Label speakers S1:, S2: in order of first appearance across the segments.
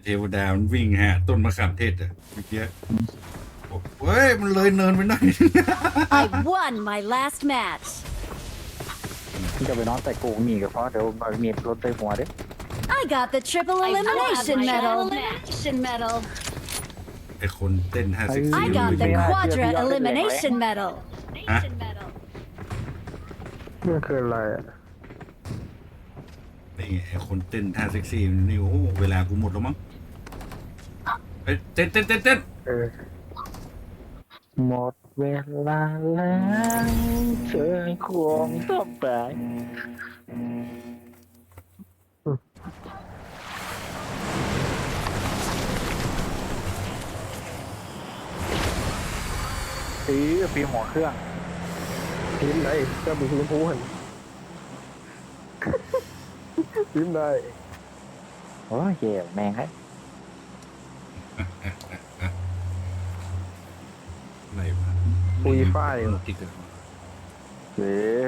S1: เทวดามันวิ่งฮะต้นมะขามเทศอะเมื่อกี้เฮ้ยมันเลยเนินไปหน่อย
S2: I won my last match.
S3: ที่จะไปนอนแต่โกงหนีก็เพราะเดี๋ยวมันมีรถเตยหัวเด้
S2: I got the triple elimination medal.
S1: ไอคนเต้น5 เซ็กซี่
S2: I
S1: มัน
S2: got
S1: เป็
S2: the
S1: นยังไง
S2: quadra elimination medal.
S1: ฮะ
S4: มันคืออะไรอ่ะ
S1: นี่ไงไอคนเต้น5 เซ็กซี่นี่โอ้โหเวลากูหมดแล้วมั้งไปเต้นเต้นเต้นเต้น
S4: เออ
S3: หมดเวลาแล้วเธอควงต้องไปปีหัวเครื่อง
S4: ทีมไหนก็มีทีมพูหันทีมไหน
S3: โอ้ยเหี้ยแม่งให้
S1: อะไรวะ
S4: ปุยฝ้าย
S1: หมดที่เกิด
S3: เฮ้ย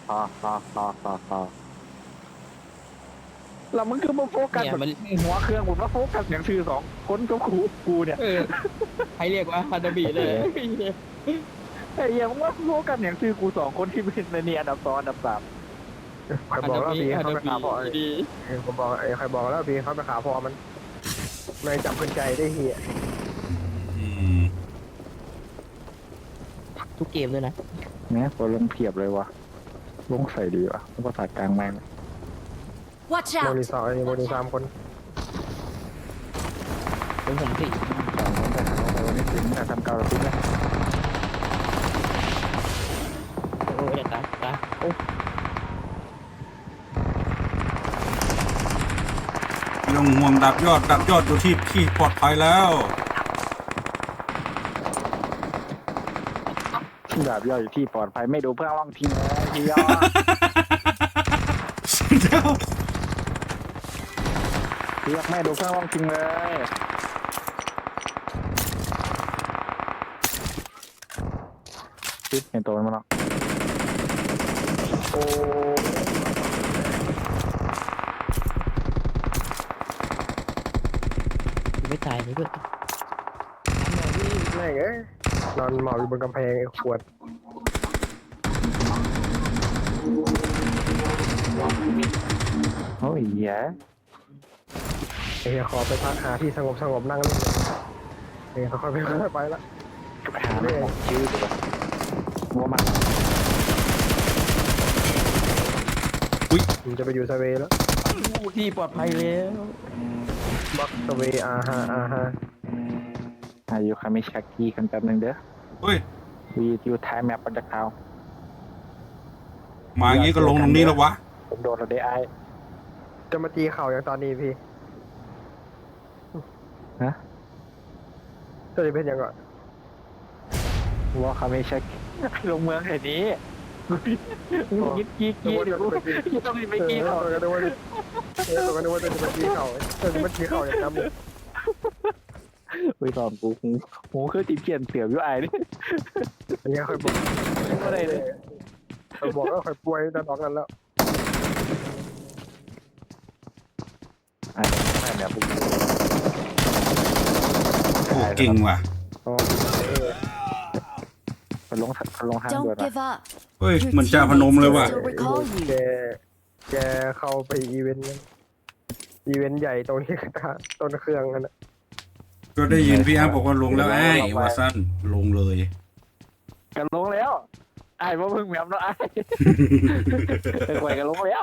S3: แล้วมันคือมาโฟกัสแบบหัวเครื่องผมมาโฟกัสอย่างชื่อสองคนก็กูเนี่ย
S5: ให้เรียกว่าฮานาบิเลย
S3: ไอ้เหี้ยมึงว่าโฟกัสอย่างชื่อกู2 คนที่เป็นในนี่อันดับ2อันดับ3
S4: ใครบอกแล้วพี่
S5: ฮา
S4: เขา
S5: นา
S4: ไป
S5: บิ
S4: ขาพอ
S5: ดี
S4: ผมบอกใครบอกแล้วพี่เขาไปขาพอมันไม่จับคนใจได้เฮีย
S1: อืม
S5: ทุกเกมเลยนะ
S3: เนี่ยพอลงเพียบเลยวะลงใส่ดีวะภาษากลางแม่ง
S2: Watch
S4: โม
S2: out.
S4: นิ2โมนิ3คน
S5: เป็นผมสิ
S3: 2 คนแต่วันนี้ถึงแต่ทำเก่าเราทิ้งแล้ว
S5: โอ้ยเดี๋ยวตาโอ้
S1: ไม่ต้องห่วงดับยอดอยู่ที่ปลอดภัยแล้ว
S3: ดาบย่อยอยู่ที่ปลอดภัยไม่ดูเพื่อนว่างทิ้งทียอ
S1: เดี๋ยว
S3: เรียกแม่ดูเพื่อนว่างทิ้งเลยปิ๊บเห็นตัวมันมั้งโอ้
S5: ไม่ตายเลยด้วย
S4: แม่งเอ้ยนอนหมอบอยู่บนกำแพงไอ้ขวด
S3: โอ้ยแย่
S4: ไอ้เฮียขอไปพักหาที่สงบนั่งเล่นเฮ้ยค่อยๆไปละ
S3: ไปหาไม่ออกชื่อเลยว่ามัน
S4: ผมจะไปอยู่สเวย์แล้ว
S5: ที่ปลอดภัยแล้ว
S4: บักสเวย์อาฮา
S3: อายุคามิชากิกันแป๊บนึงเด้อ
S1: เฮ้ย
S3: วีอยู่ท้ายแมปปัจจุบัน
S1: มาอย่างนี้ก็ลงตรงนี้แล้ววะ
S3: ผมโดนเราได้ไอ้
S4: จะมาตีเข่าอย่างตอนนี้พี่
S3: ฮะ
S4: จะเป็นยังไง
S3: ว่าคามิชากิลงเมืองแห่งนี้ยิดกี้เดี๋ยวยังต้องมีไปกี้
S4: เอ
S3: เขา
S4: อก็นึกว่าจะมาตีเข่าจะมาตีเข่าอย่างนั้น
S3: ไปตอนกูหูคือตีเปลี่ยนเสียบอยู่ไอ้นี่
S4: อันนี้เคยบอก
S3: ก็ได้เลย
S4: เคยบอกแล้วเคยป่วยแต่ตอนนั้นแล้ว
S3: ไอ้ไม่เนี่ยปุ๊บ
S1: โอ้เก่งว่ะ
S3: ไปลงทางด่วน
S2: Don't give up.
S1: เฮ้ย
S2: Your
S1: เหมือนจ่าพนม
S2: teammates
S1: เลย
S2: will
S1: ว่ะ
S2: still recall
S4: แก
S2: you.
S4: เข้าไปอีเวนต์ใหญ่ตรงที่ต้นเครื่องนั่นแหละ
S1: ก็ได้ยินพี่อาร์บอกว่าลงแล้วไอ้วาสั้นลงเลย
S3: กันลงแล้วไอ้ว่าเพิ่งแมวเนาะไอ้ไปคุยกันลงแล้ว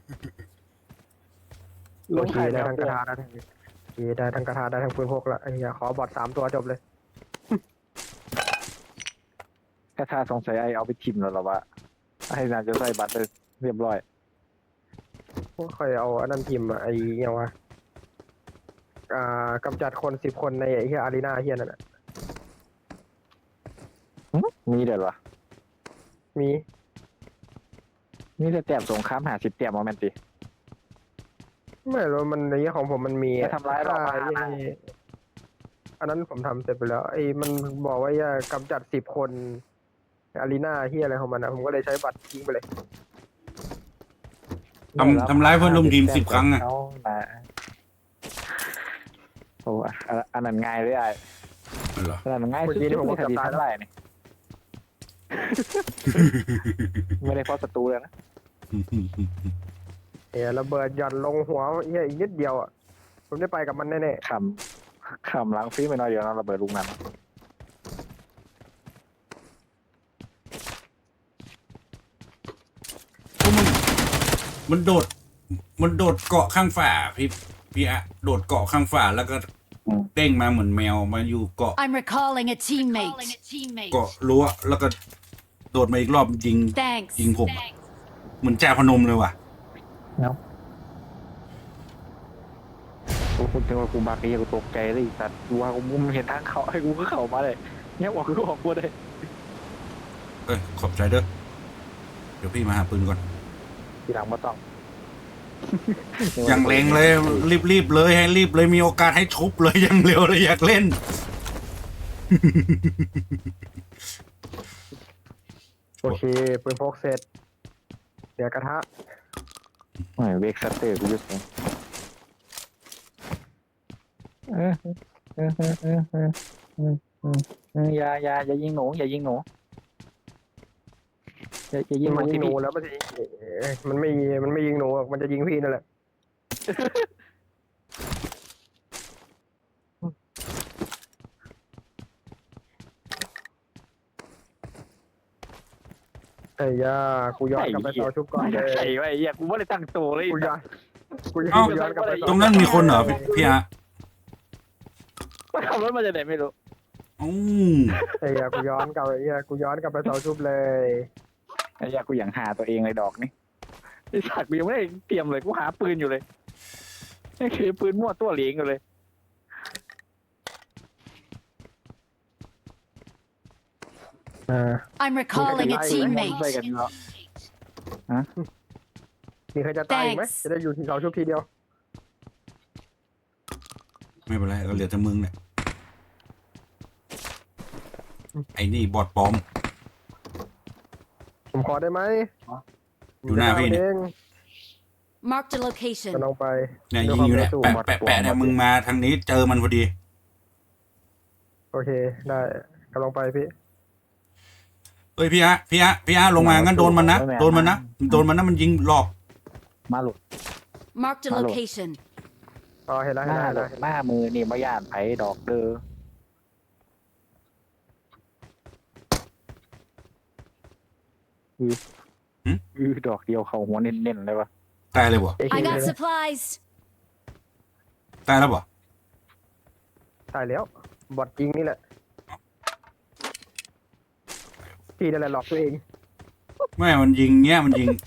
S3: ลง
S4: โอเค
S3: ไข่
S4: ได้
S3: แล้ว
S4: ทั้งกระทาได้ทั้งได้ทั้งกระทาได้ทั้งปืนพกละไอ้เหี้ยขอบอด3 ตัวจบเลย
S3: แค่ถ้าสงสัยไอ้เอาไปชิมแล้วหรอวะไอ้น่าจะใส่บัตรเลยเรียบร้อย
S4: ค่อยเอาอันนั้นพิมพ์ไอ้ยังวะกำจัดคน10 คนในไอ้เหี้ยอารีนาเหี้ยนั่นแหละ
S3: มีเด็ดวะ
S4: มี
S3: นี่จะแต้มสงคราม50 แต้มมาแมนติ
S4: ไม่รู้มันในเรื่องของผมมันมี
S3: จะทำร้ายเรา
S4: อันนั้นผมทำเสร็จไปแล้วไอ้มันบอกว่าจะกำจัด10 คนอารีนาที่อะไรของมันนะผมก็เลยใช้บัตรทิ้งไปเลย
S1: ทำร้ายเพื่อนร่วมทีม10 ครั้งอะ
S3: โอ้อันนั้นง่ายเลยไอ้
S1: เหรอ
S3: อันนั้นง่ายสุดๆเลยคดีทำลายนี่ ไม่ได้เพราะศัตรูเลยนะ
S4: เฮ้ยระเบิดหย่อนลงหัวเฮียอีกนิดเดียวอ่ะผมได้ไปกับมันแน่
S3: ขำล้างฟรีไปหน่อยเดียวนะระเบิดลูกนั้น
S1: มันโดด มันโดดเกาะข้างฝาพี่อะโดดเกาะข้างฝาแล้วก็เด้งมาเหมือนแมวมาอยู่เกาะ
S2: I'm recalling a teammate.
S1: เกาะรั้วแล้วก็โดดมาอีกรอบยิง
S2: Thanks.
S1: ยิงผมอะเหมือนจ่าพนมเลยว่ะ
S3: เนาะกูพูดถึงว่ากูบักยังกูตกใจเลยสัตว์กูว่ากูมุมเห็นทางเขาให้กูก็เข้ามาเลยเนี่ยบอกกูออกกูได้
S1: เอ้ยขอบใจเด้อเดี๋ยวพี่มาหาปืนก่อน
S3: ทีหลังมาต้อง
S1: อย่างเร่งเลยรีบเลยให้รีบเลยมีโอกาสให้ชุบเลยอย่างเร็วเลยอยากเล่น
S4: ๆโอเคปืนพกเสร็จเดี๋ยวกระทะ
S3: โอ้ยเวกสเตอร์กูจะส่งอย่ายิงหนูอย่ายิงหนูอย่ายิงหนู
S4: มันยิ
S3: ที่
S4: งหนู
S3: พี่
S4: แล้วมันจะยิงมันไม่ยิงหนูหรอกมันจะยิงพี่นั่นแหละไอ้ย่ากูย้อนกลับไปเสาชุบก่อนเลย
S3: ไอ้ไอ้เหี้ยกูไม่ได้ตั้งตัวเลย
S4: กูย้อนกลับไปเสา
S1: ตรงนั้นมีคนเหรอพี่อะ
S3: ว่าขับรถมาจากไหนไม่รู้
S1: อู้
S4: ไอ้ย่ากูย้อนกลับไปเสาชุบเลย
S3: ไอ้เหี้ยกูอย่างหาตัวเองเลยดอกนี่ไอ้สัตว์กูยังไม่ได้เตรียมเลยกูหาปืนอยู่เลยนี่คือปืนมั่วตัวเหลียงอยู่เลย
S2: I'm recalling a
S3: ไป
S2: teammate.
S3: กันเนาะ
S4: มีใครจะตายอีกไหม
S2: Thanks
S4: จะได้อยู่ที่เสาชุบทีเดียว
S1: ไม่เป็นไรก็เหลือแต่มึงเนี่ยไอ้นี่บอดปลอม
S4: ผมขอได้ไหม
S1: อยู่หน้าพี่เนี่ย
S2: Marked a location.
S4: จะลองไป
S1: เนี่ยยิงอยู่เนี่ยแปะเนี่ยมึงมาทางนี้เจอมันพอดี
S4: โอเคได้กำลังไปพี่
S1: เอ้ยพี่อะลงมางั้นโดนมันนะมันยิงหลอก
S3: มาหลุด
S2: Marked a
S3: Hello.
S2: location.
S4: อ๋อเห็นแล้ว
S3: ห
S4: เห็น
S3: น้า
S4: แล้ว
S3: หน้ามือนี่มาย่านไผดอกเด้อดอกเดียวเขาหัวเน้นๆเลยวะ
S1: ตายเลยบ่
S2: I got supplies.
S1: ตายแล้วบ่
S4: ตายแล้วบอดจริงนี่แหละพี่นั่นแหละหลอกตัวเอง
S1: ไม่มันยิงเงี้ยเงี้ย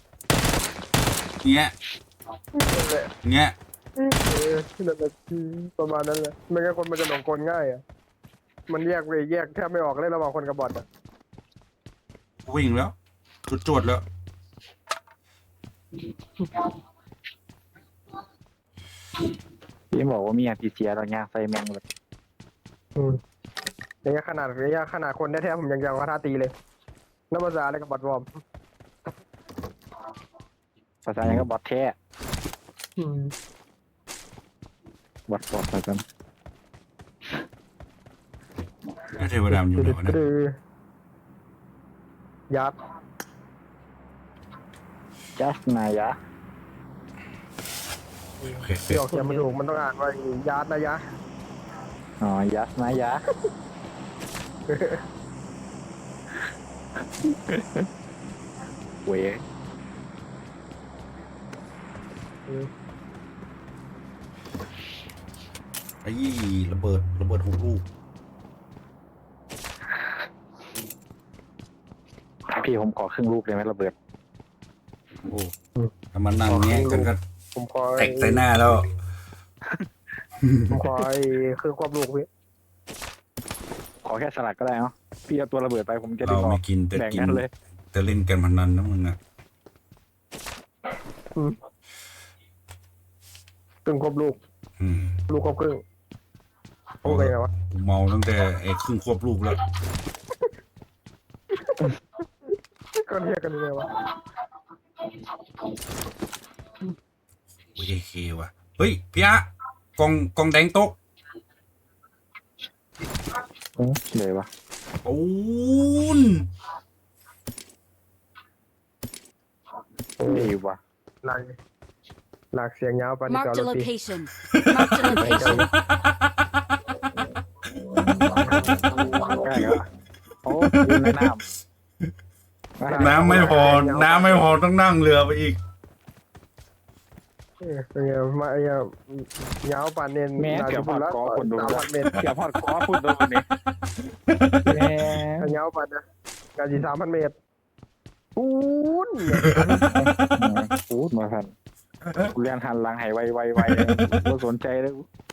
S4: นั่นแหละประมาณนั้นแหละไม่งั้นคนมันจะหลงกลง่ายอ่ะมันแยกแทบไม่ออกเลยระหว่างคนกับบอทอ่ะ
S1: วิ่งแล้วจวดแล้ว
S3: พี่บอกว่ามีอาพีเซียเราย่างใส่แมงเลย
S4: ระยะขนาดคนแท้ๆผมยังกระทาตีเลยนับภาษาอะไรกับบอทวอร์ม
S3: ภาษาอย่างก็บอทแท้บอทปลอดภัยกัน
S1: เทวดามนอยู่ไหนวะเนี่ย
S4: ยัด
S3: จัสนายะ
S1: โอเค
S4: ที่ออกเสียงมันถูกมันต้องอ่านว่ายัดนะยะ
S3: อ๋อยัสนายะเว้ย
S1: ไอ้ระเบิด6 ลูก
S3: พี่ผมขอครึ่งลูกเลยไหมระเบิด
S1: โอ้ถ้ามันนั่งเงี้ยกันก็
S4: ผมขอ
S1: แตกใส่หน้าแล้ว
S4: ผมขอคือความลูกพี่
S3: ขอแค่สลัดก็ได้เนาะพี่เอาตัวระเบิดไปผมจะได้
S1: เรา
S3: บอก
S1: ไม่กินแต่
S3: แบ่ง
S1: กิน
S3: กันเลย
S1: แต่เล่นกันพนันนะมึงอะ
S4: ครึ่งควบลูก
S1: อืม
S4: ลูกควบครึ่งโอ้ยไงวะ
S1: กูเมาตั้งแต่ไอ้ครึ่งควบลูกแล้ว
S4: ก็เรียกกันยังไงวะ
S1: โอ้ยเคว่ะเฮ้ยพี่อะกองแดงตก
S3: เลยวะ
S1: ปูน
S3: ดีวะ
S4: หลักหลักเสียงยาวปานนี้ก็
S2: Marked a
S4: รถตี
S2: location. Marked a location.
S3: ใกล้แล้วโอ้ยในน้ำ
S1: น้ำไม่พอ น้ำไม่พอต้องนั่งเรือไปอีก
S4: เป็นไงมาไอ้ยาวปานเน้น
S3: แม่เกือบพอดคอคนดู
S4: 3,000 เมตร
S3: เกือบพอดคอพูดโดนนี่แม่
S4: ยาวปานนะงานสิ3,000 เมตรปูน
S3: พูดมาทันกูเรียนหันหลังให้ไวกูสนใจแล้ว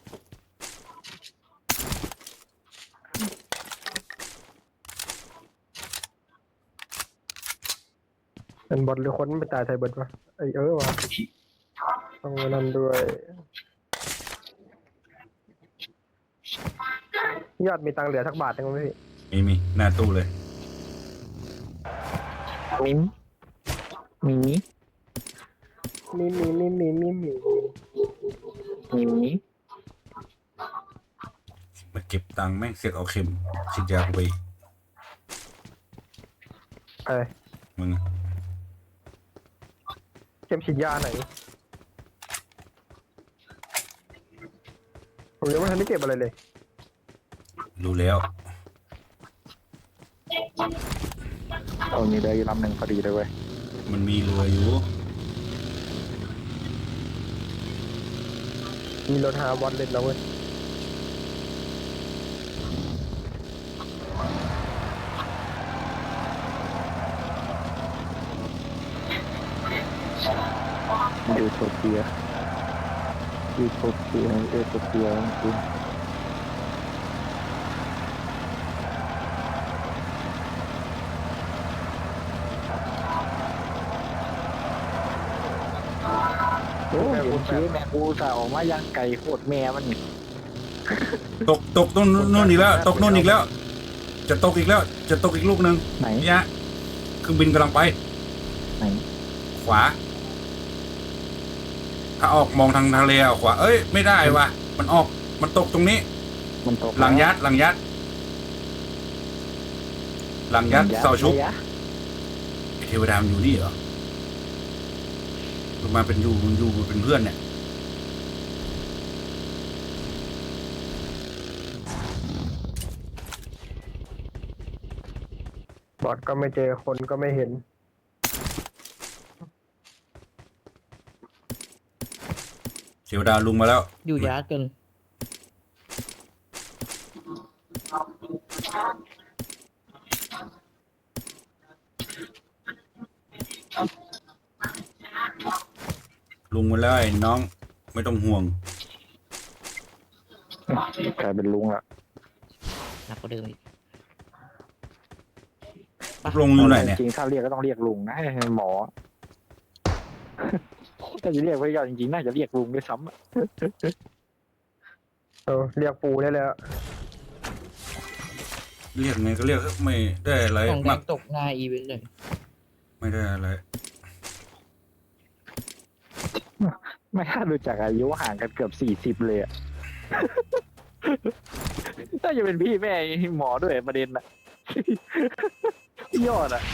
S4: เป็นบอทหรือคนไปตายไทยเบิดวะไอ้วะต้องมานั่นด้วยยอดมีตังค์เหลือสักบาทยังไหมพี่
S1: มีหน้าตู้เลย
S3: มิมมี
S4: มี
S1: มาเก็บตังค์แม่งเสียกเอาเข็มฉีดยากูไปอีก
S4: อะไร
S1: มึง
S4: เข็มฉีดยาไหนผมยังไม่ทันได้เก็บอะไรเลย
S1: รู้แล้ว
S3: เอามีได้ลำหนึ่งพอดีเลยเว้ย
S1: มันมีเรืออยู่
S4: มีรถหาบอลเล่นแล้วเว้ย
S3: ยูโทเปียจริงโอ้ยกูชี้แม่กูจะออกมายังไก่โคตรแม่มันนี่
S1: ตกต้นนู่นอีกแล้ว ตกนู่นอีกแล้ว จะตกอีกแล้ว จะตกอีกลูกหนึ่ง
S3: ไหน
S1: เนี่ยเครื่องบินกำลังไป
S3: ไหน
S1: ขวา ถ้าออกมองทางทะเลขวา เอ้ย ไม่ได้ว่ะ มันตกตรงนี้
S3: มันตก
S1: หลังยัดเสาชุบไอ้เทวดามันอยู่นี่เหรอมันมาเป็นมันเป็นเพื่อนเนี่ย
S4: บอทก็ไม่เจอคนก็ไม่เห็น
S1: เทวดาลุงมาแล้ว
S5: อยู่ยาจน
S1: ลุงมาแล้วไอ้น้อง ไม่ต้องห่วง
S3: กลายเป็นลุงละ
S5: หนักกว่าเดิมอีก
S1: ลุงอยู่ไหนเนี่ย
S3: จริงๆถ้าเรียกก็ต้องเรียกลุงนะหมอถ้าจะเรียกไว้ยอดจริงๆน่าจะเรียกลุงด้วยซ้ำอะ
S4: เรียกปูได้เลยอะ
S1: เรียกไงก็เรียกไม่ได้อะไร
S5: ของแด
S1: มาก
S5: งตกหน้าอีเวนต์เลย
S1: ไม่ได้อะไร
S3: ไม่ถ้าดูจากอายุห่างกันเกือบ40เลยอะ น่าจะเป็นพี่แม่หมอด้วยประเด็นอะยอดอะ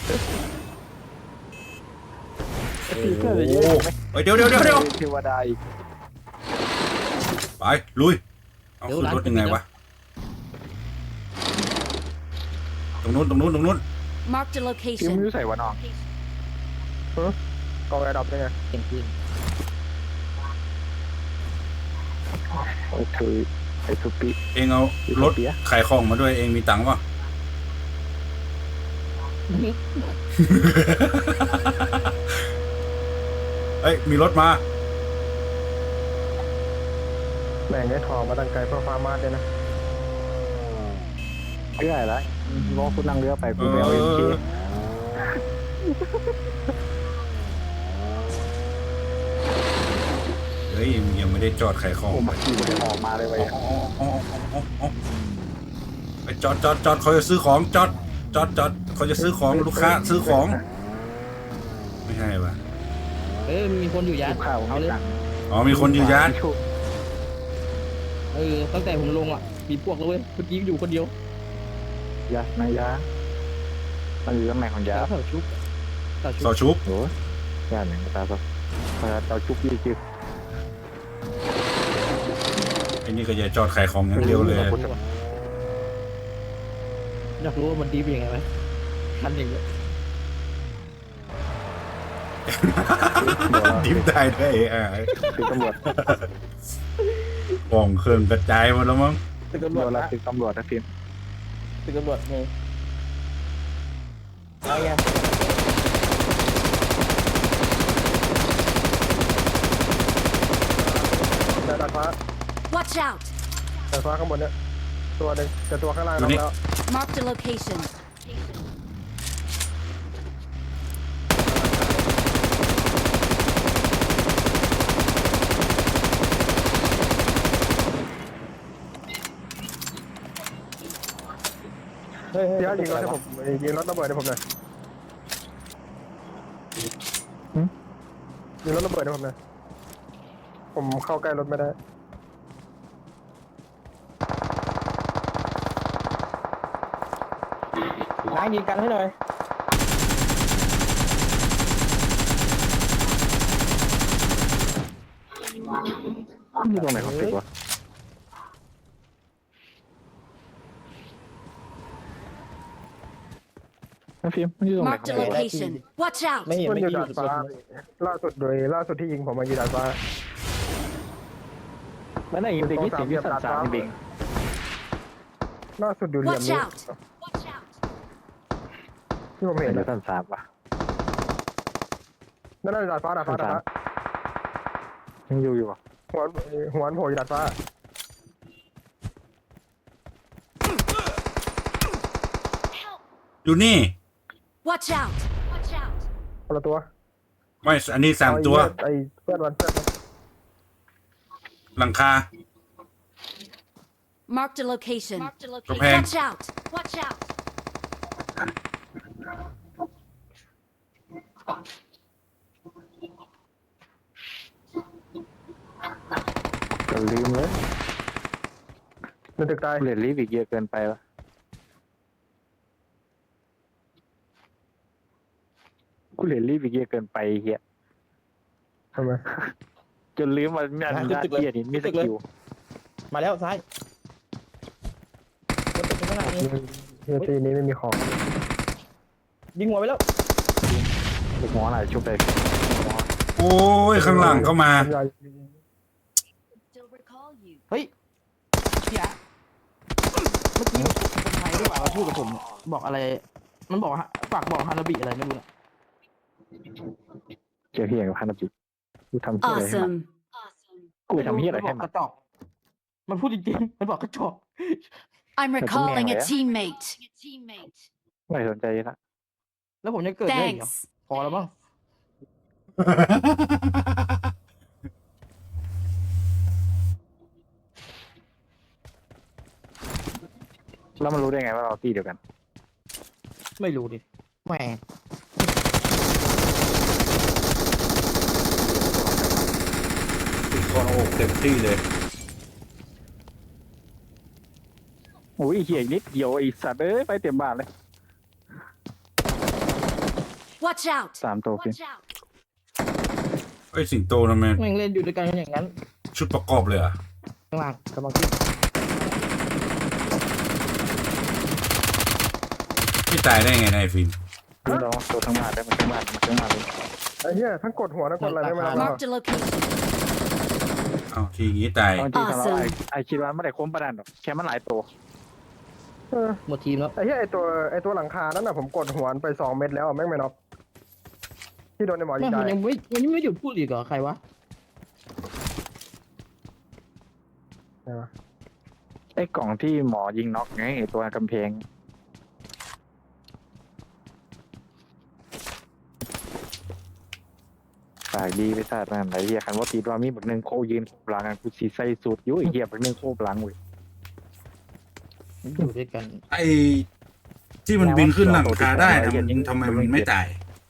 S1: โอ้โหเฮ้ยเดี๋ยว
S3: เทวดาอีก
S1: ไปลุย เอาขึ้นรถยังไงวะ ตรงนู้น
S2: Marked a
S3: พี่มึง
S2: location.
S3: ใส่วะน้อง
S4: กองแอร์ดรอปได้ไง
S5: เต็มพื้น
S3: โอเคไอ้สุปิ
S1: เองเอารถขายของมาด้วยเองมีตังค์ป่ะ เอ้ยมีรถมา
S4: แม่งได้ทองมาตั้งไกลเพื่อฟาร์มาสเลยนะ
S3: เรื่อยแล้วน้องคุณนั่งเรือไปกูไปเอาเอ็มเค
S1: เฮ้ยยังไม่ได้จอดขายของ
S3: โอ้มาขี่มันออกมาเลยไป
S1: ไปจอดเขาจะซื้อของจอดเขาจะซื้อของลูกค้าซื้อของ ไม่ใช่ป่ะ
S5: มีคนอยู่ยา
S3: ลูกข้าว
S5: เอา
S3: ไม่
S5: เลย
S3: ตังค์
S1: อ๋อมีคนอยู่ยาน
S5: ตั้งแต่ผมลงอ่ะมีพวกแล้วเว้ยเมื่อกี้อยู่คนเดียวย
S3: านายยามันอยู่ตำแหน่งของยา
S5: แล้วเสาชุบเสาชุ
S1: เสา
S5: บ
S1: ชุบ
S3: โอ้ยยานหนึ่งตาเราจุกยี่จิบ
S1: ไอ้นี่ก็อย่าจอดขายของอย่างเดียวเลย
S5: อยากรู้ว่ามันดีเป็นยังไงไหมทันอย่างเงี้ย
S1: ดิฟได้ด้วย
S3: คือตำรวจ
S1: กล่องเครื่องกระจายหมดแล้วมั้ง
S5: ตึก
S3: ตำ
S5: ตำ
S3: ร
S5: ร
S3: ว
S5: ว
S3: จ
S5: จ
S3: ละ
S5: นะ
S3: คือตำรวจนะฟิล์ม
S5: ตึกตำรวจไงเอาไง
S4: แต่ดาดฟ้า
S2: Watch out!
S4: ดาดฟ้าข้างบนเนี่ยตัวหนึ่งแต่ตัวข้างล่างน้องแล้ว
S2: Marked a location.
S5: เฮ้ย
S4: พี่อาร์ตยิงรถให้ผมยิงรถระเบิดให้ผมหน่อยยิงรถระเบิดให้ผมหน่อยผมเข้าใกล้รถไม่ได้
S5: ล้างยิงกันให้หน่อย
S3: อยู่ตรงไหนของตึกวะนะฟิล์มมันอยู่ตรงไหนของ
S2: Marked a
S3: ตึกวะ
S2: location. Watch out!
S5: ไม่เห็น
S4: มัน
S5: ไม่
S4: อยู่
S5: กี่
S4: ดาดฟ้าล่าสุดที่ยิงผมมาอยู่ดาดฟ้า
S3: มันไหนยิงเด็กยี่สิบยี่สิบสามเด็ก
S4: ล่าสุดอยู่เหลี่ยม
S2: Watch
S4: นี้
S2: out! Watch out!
S4: ที่ผม
S3: เห็
S4: เห็
S3: น
S4: น
S3: แล้วสั้นสามวะ
S4: นั่นน่ะดาดฟ้า
S3: ยังอยู่วะ
S4: หัวโผล่อยู่ดาดฟ้า
S1: อยู่นี่
S2: Watch out! Watch out!
S4: คนละตัว
S1: ไม่อันนี้สามตัว
S4: ไอ้เพื่อนมัน
S1: หลังคา
S2: Marked a location. Marked a location.
S1: Okay.
S2: Watch out! Watch out!
S3: ก็ลืมเลย
S4: ในตึกตาย
S3: เรียนรีบอีกเยอะเกินไปวะกูเรียนรีบอีกเยอะเกินไปเฮีย
S4: ทำไม
S3: จนลืมว่าแม่นยาเกียนี่มีสกิล
S5: มาแล้วซ้ายรถติดข้างหน้านี่
S4: เฮียตีนี้ไม่มีของ
S5: ยิงหัวไปแล้ว
S3: ลูกหมอหลายชุบเลย
S1: โอ้ยข้างหลังก็มา
S2: Still recall you.
S5: เฮ้ยพี่อะเมื่อกี้คนไทยที่ว่ามาพูดกับผมบอกอะไร มันบอกฝากบอกฮานาบิอะไรไม่รู้นะ
S3: เจอเฮียกับพันธจิตกูทำเฮียอะไรให้มัน
S2: Awesome.
S3: กูไปทำเฮียอะไรให้
S5: มัน
S3: มัน
S5: กระจอกมันพูดจริงๆมันบอกกระจอก
S2: I'm recalling a
S3: yeah?
S2: teammate.
S3: ไม่สนใจละ
S5: แล้วผมจะเกิดได้อีกเหรอ
S2: Thanks.
S5: พอแล้วมั้ง
S3: แล้วมันรู้ได้ไงว่าเราตีเดียวกัน
S5: ไม่รู้ดิแหม
S1: ติดก้อนอกเต็มที่เลย
S3: โอ้ยเฮียอีกนิดเดียวไอสัตว์เอ้ยไปเต็มบ้านเลย
S2: Watch out!
S3: สามตัวฟิล์ม
S2: Watch out!
S1: ไอ้ยสิงโตทำไม
S5: แม่งเล่นอยู่ด้วยกันอย่างนั้น
S1: ชุดประกอบเลยเหรอ่ะ
S5: ข้างล่างกำลังขึ้น
S1: ไม่ตายได้ไงนายฟิล์ม
S3: ดูน้องตัวทั้งบ้านได้มันทั้งบ้านมันทั้งบ้านเลย
S4: ไอ้เหี้ยทั้งกดหัวทั้งกดอะไรได้ไหมล่ะ
S2: Marked a location.
S1: เอาทีงี้ตาย
S3: เอาจริงๆ
S2: Awesome
S3: ไอคิดว่าไม่ได้คุ้มประดันหรอกแค่มันหลายตัว
S4: เออ
S5: หมดทีมแล้ว
S4: ไอ้เหี้ยไอ้ตัวหลังคานั่นน่ะผมกดหัวไป2 เม็ดแล้วแม่งไม่น็อกที่โดนในหมอยิ
S5: แม่
S4: ง
S5: ง
S4: ตา
S5: มัน
S4: ย
S5: ยังไม่หยุดพูดอีกเหรอใครวะ
S4: ไหนวะ
S3: ไอ้กล่องที่หมอยิงน็อกไงไอ้ตัวกำแพงฝากดีไปซะนั่นไอ้เหี้ยคันว่าตีว่ามีบักหนึ่งโคยืนโคบหลังกันกูสีใส่สูตรอยู่ไอ้เหี้ยบักหนึ่งโคบหลังเว้ย
S5: อยู่ด้วยกัน
S1: ไอ้ที่มันบินขึ้นหลังคาได้ทำไมมันไม่ตาย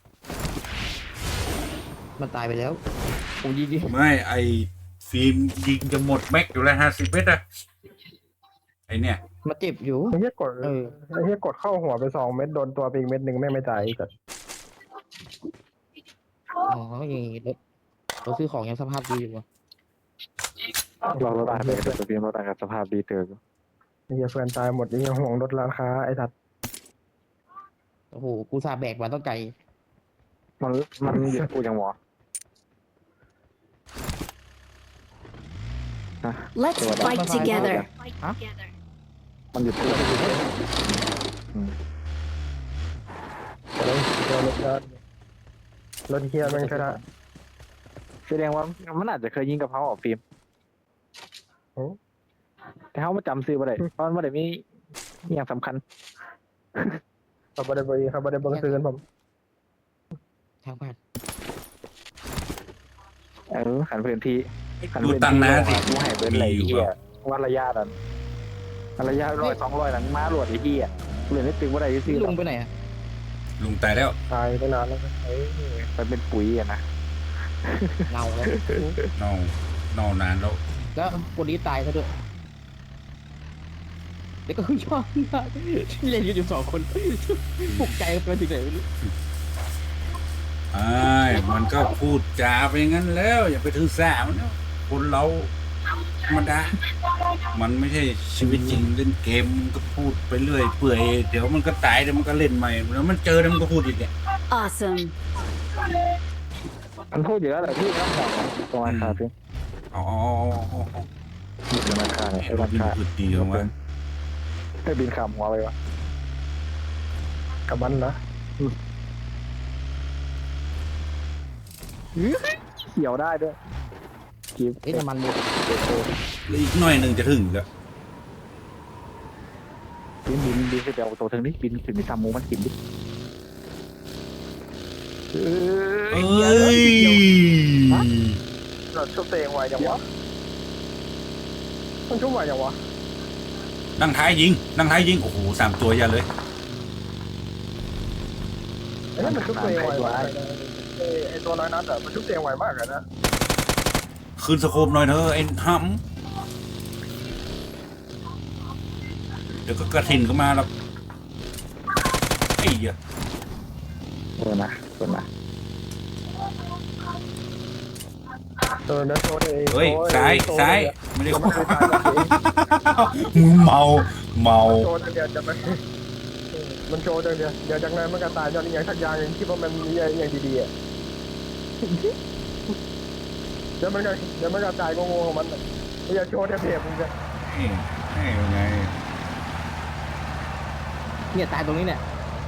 S5: มันตายไปแล้วโอ้ยิง
S1: ไม่ไอ้ฟิล์มยิงจะหมดแม็กอยู่แล้ว50 เมตรอะไอเนี่ย
S5: มาเจ็บอยู่
S4: ไอ้เหี้ยกด
S5: เออ
S4: ไอ้เหี้ยกดเข้าหัวไป2 เม็ดโดนตัวไปอีกเม็ดหนึ่งแม่งไม่ตายแต่
S5: อ๋ออย่างงี้เราซื้อของยังสภาพดีอยู่วะ
S3: เราต่างกันกับตัวเพียงเราต่างกับสภาพดีเติม
S4: ไอ้เหี้ยเพื่อนตายหมดไอ้เหี้ยห่วงลดราคาไอ้สัตว์
S5: โอ้โหกูสาแบกมาต้องไกล
S3: มันหยุดพูดยังหมอ
S2: Let's fight together.
S3: มันหยุดพูด
S4: ตัวรถเหี้ยแม่งชนะ
S3: แสดงว่ามันอาจจะเคยยิงกับเขาออกฟิล์ม
S4: โอ้
S3: แต่เขามาจำซื้อมาได้เพราะมันไม่ได้มีอย่างสำคัญ
S4: เขาบ่ได้บ่ได้เบิ่งซื้อกันผม
S5: ทางบ้าน
S3: ขันพื้นที่
S1: ดูตังค์นะสิ
S3: กูให้เบิร์นอะไรเหี้ยวัดระยะนั้นระยะ100-200นั้นมาหลวดไอ้เหี้ยเหลือนิดตึงว่าได้ซื้อ
S5: ลุงไปไหนอะ
S1: ลุงตายแล้ว
S4: ตายไปนานแล้วไอ้
S3: มันเป็นปุ๋ยอะนะ
S5: เงาแล้ว
S1: เน่าเน่านานแล้ว
S5: แล้วคนนี้ตายซะด้วยเด็กก็คือชอบที่เล่นกันอยู่2 คนปลุกใจกันไปถึงไหนไม่รู้
S1: ไอ้มันก็พูดจาไปงั้นแล้ว อย่าไปถือสามันนะคนเราธรรมดา มันไม่ใช่ชีวิตจริงเล่นเกมมันก็พูดไปเรื่อยเปื่อยเดี๋ยวมันก็ตายเดี๋ยวมันก็เล่นใหม่แล้วมันเจอแล้วมันก็พูดอีกเนี่ย
S2: Awesome.
S3: มันพูดเยอะเลยพี่ครับตรงราคาพี่
S1: อ๋อ
S3: มีตรงราคาเนี่ย
S1: ไอ้รถนี่มันพูดดีของมัน
S3: ให้บินขำหัวไปวะ
S4: กับมันนะ
S3: เขียวได้ด้วยกีบ
S5: เอ๊ะน้ำมันหมด
S1: แล้วอีกหน่อยหนึ่งจะถึงแล้ว
S3: บินขึ้นไปเอาตัวถึงนี่บินขึ้นไปทำมูมันกินดิ
S1: เอ้ย
S4: เราชุบตัวเองไว้ยังวะมันชุบไว้ยังวะ
S1: นั่งท้ายยิงโอ้โห3 ตัวอย่าเลย
S4: ไอ้นั่นมันชุบตัวเองไว้วะไอ้ตัวน้อยนัดอะมันชุบตัวเองไวมากเลยนะ
S1: คืนสโคปหน่อยเถอะไอ้ห้ำเดี๋ยวก็กระถิ่นก็มาแล้วไอ้เหี้ย
S3: ตัวนะ
S4: ตัวนั้นโชว์เอง
S1: เฮ้ยซ้ายไม่ได้
S4: มันไม่ตายหรอก
S1: มึงเมา
S4: โชว์เดียวจะไม่มันโชว์เดียวเดี๋ยวจากนั้นมันก็ตายย้อนอย่างทักอย่างอย่างที่ว่ามันมีอย่างดีๆอ่ะเดี๋ยวมันก็ตายงงๆของมันไม่อยากโชว์เทียบมึงจะ
S1: ให้ยังไง
S5: เนี่ยตายตรงนี้เนี่ย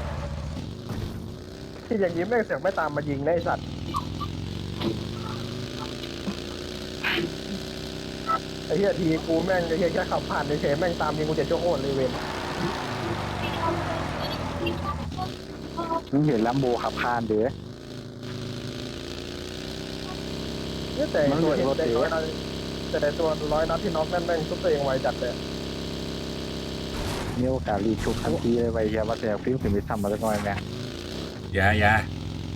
S4: ที่อย่างนี้แม่งเสือกไม่ตามมายิงนะไอสัตว์ไอ้เหี้ยทีกูแม่งไอ้เหี้ยแค่ขับผ่านเฉยๆแม่งตามยิงกูจะโชว์โคตรเลยเว้ย
S3: มึงเห็นลัมโบขับคานเด้อ
S4: เนี่ยแต่ตัวร้อยนัดที่น็อกนั่นแม่งทุบตัวเองไวจัดเลย
S3: มีโอกาสรีชุบทันทีเลยไปเฮียว่าแต่ฟิล์มขึ้นไปทำมาสักหน่อยแม่
S1: อย่า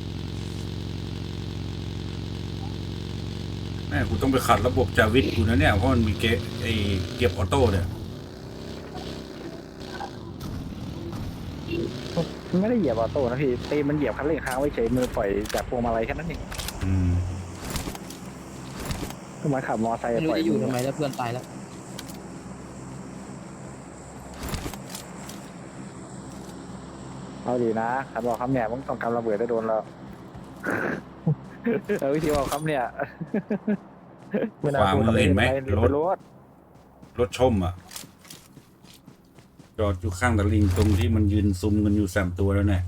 S1: แม่กูต้องไปขัดระบบจาวิทกูนะเนี่ยเพราะมันมีเก็บออโต้เนี่ย
S3: มันไม่ได้เหยียบออโต้นะพี่ตีมันเหยียบคันเร่งค้างไว้เฉยมือปล่อยจากพวงมาลัยแค่นั้นเอง
S1: อืม
S3: คือมันขับมอไซค์
S5: ไม่รู้
S3: ปล่อย
S5: จะอยู่ทำไมแล้วเพื่อนตายแล้ว
S3: เอาดีนะขันบอกคำเนี่ยมึงต้องกำระเบิดได้โดนแล้ว วิธีบอกคำเนี่ย
S4: ไม่น่า
S1: ขวา
S4: พูด
S1: มือเห็นไหม
S3: รถ
S1: รถชมอ่ะจอดอยู่ข้างตะลิงตรงที่มันยืนซุมกันอยู่3 ตัวแล้วเนี่ย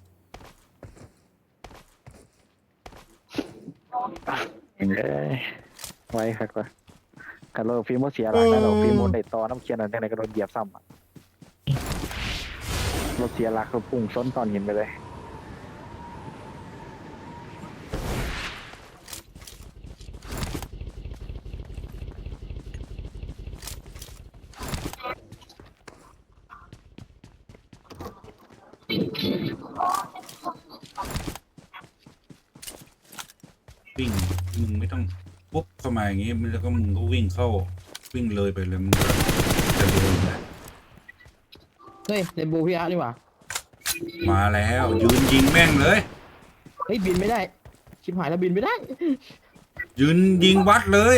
S3: เห็นเลยไว้ครับว่ากันเราฟิล์มเสียหลักนะเราฟิล์มในตอน้ำเคียนอะไรก็โดนเหยียบซ้ำรถเสียหลักเราพุ่งซ้นตอนหินไปเลย
S1: วิ่งมึงไม่ต้องปุ๊บเข้ามาอย่างงี้แล้วก็มึงก็วิ่งเข้าวิ่งเลยไปเลยมึงก็จะโดนนะ
S5: เฮ้ยเรนโบว์พี่อาร์นี่หว่า
S1: มาแล้วยืนยิงแม่งเลย
S5: เฮ้ยบินไม่ได้ชิบหายแล้วบินไม่ได้
S1: ยืนยิงวัดเลย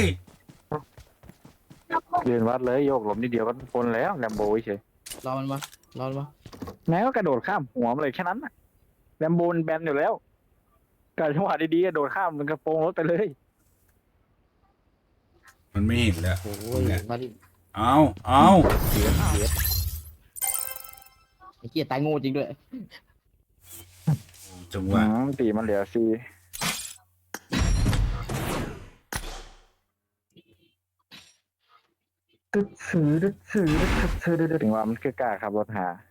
S3: ยืนวัดเลยโยกหลบนิดเดียวก็พ้นแล้วแลมโบเฉย
S5: รอมันมารอมันมา
S3: แม้ก็กระโดดข้ามหัวมันเลยแค่นั้นน่ะแลมโบมันแบนอยู่แล้วการจังหวะดีๆกระโดดข้ามมันกระโปรงรถไปเลย
S1: มันไม่เห็นแล้ว
S5: โอ้ยมาดิ
S1: เอา
S3: เสีย
S5: ไอ้เกียตายโง่จริงด้วย
S1: จังหวะ
S3: ตีมันเหลือซี
S4: ตึ๊ดซื้อตึ๊ดซื้อตึ๊ดซื้อตึ๊ด
S3: ถึงว่ามันคือกล้าขับรถหา